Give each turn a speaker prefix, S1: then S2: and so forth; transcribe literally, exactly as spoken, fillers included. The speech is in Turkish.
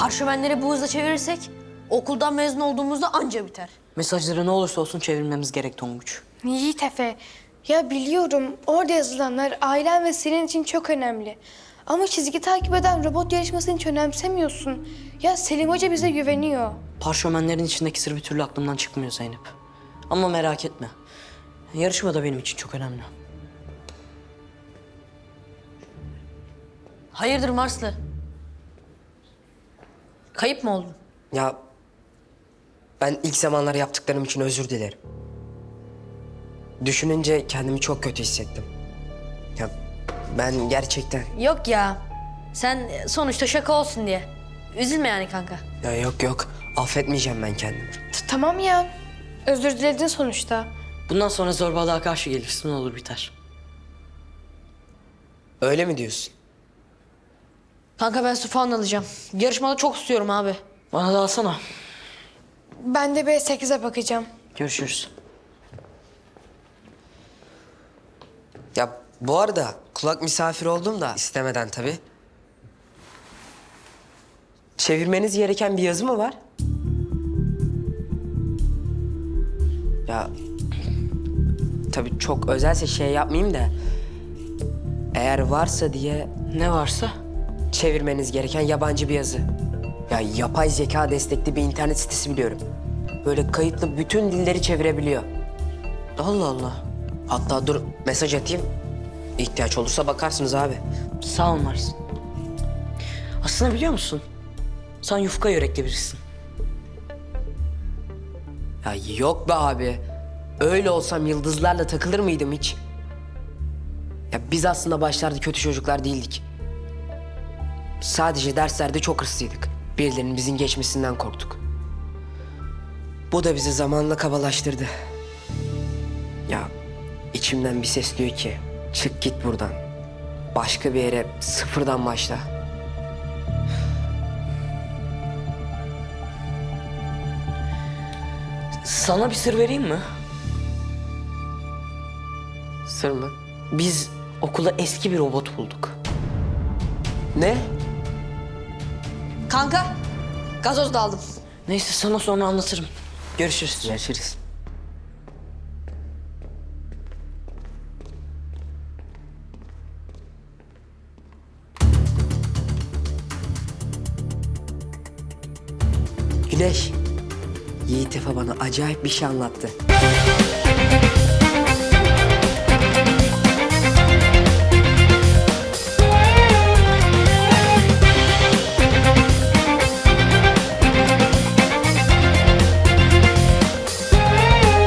S1: Parşömenleri bu hızla çevirirsek okuldan mezun olduğumuzda anca biter.
S2: Mesajları ne olursa olsun çevirmemiz gerek Tonguç.
S3: Yiğit Efe, ya biliyorum orada yazılanlar ailen ve senin için çok önemli. Ama çizgi takip eden robot yarışmasını hiç önemsemiyorsun. Ya Selim Hoca bize güveniyor.
S2: Parşömenlerin içindeki sır bir türlü aklımdan çıkmıyor Zeynep. Ama merak etme. Yarışma da benim için çok önemli.
S1: Hayırdır Marslı? Kayıp mı oldun?
S4: Ya ben ilk zamanlar yaptıklarım için özür dilerim. Düşününce kendimi çok kötü hissettim. Ya ben gerçekten...
S1: Yok ya. Sen sonuçta şaka olsun diye. Üzülme yani kanka.
S4: Ya yok yok, affetmeyeceğim ben kendimi.
S3: T- Tamam ya, özür diledin sonuçta.
S2: Bundan sonra zorbalığa karşı gelirsin, ne olur biter.
S4: Öyle mi diyorsun?
S1: Kanka ben su falan alacağım. Yarışmada çok istiyorum abi.
S2: Bana da alsana.
S3: Ben de B sekize bakacağım.
S2: Görüşürüz.
S4: Ya bu arada kulak misafir oldum da istemeden tabii. Çevirmeniz gereken bir yazı mı var? Ya tabii çok özelse şey yapmayayım da eğer varsa diye
S2: Ne varsa?
S4: çevirmeniz gereken yabancı bir yazı. Ya yapay zeka destekli bir internet sitesi biliyorum. Böyle kayıtlı bütün dilleri çevirebiliyor.
S2: Allah Allah.
S4: Hatta dur mesaj atayım. İhtiyaç olursa bakarsınız abi.
S2: Sağ ol Mars. Aslında biliyor musun? Sen yufka yürekli birisin.
S4: Ya yok be abi. Öyle olsam yıldızlarla takılır mıydım hiç? Ya biz aslında başlarda kötü çocuklar değildik. Sadece derslerde çok hırslıydık. Birilerinin bizim geçmesinden korktuk. Bu da bizi zamanla kabalaştırdı. Ya içimden bir ses diyor ki çık git buradan. Başka bir yere sıfırdan başla.
S2: Sana bir sır vereyim mi?
S4: Sır mı?
S2: Biz okula eski bir robot bulduk.
S4: Ne?
S1: Kanka gazoz da aldım.
S2: Neyse sana sonra anlatırım. Görüşürüz.
S4: Görüşürüz. Güneş, Yiğit Efe bana acayip bir şey anlattı.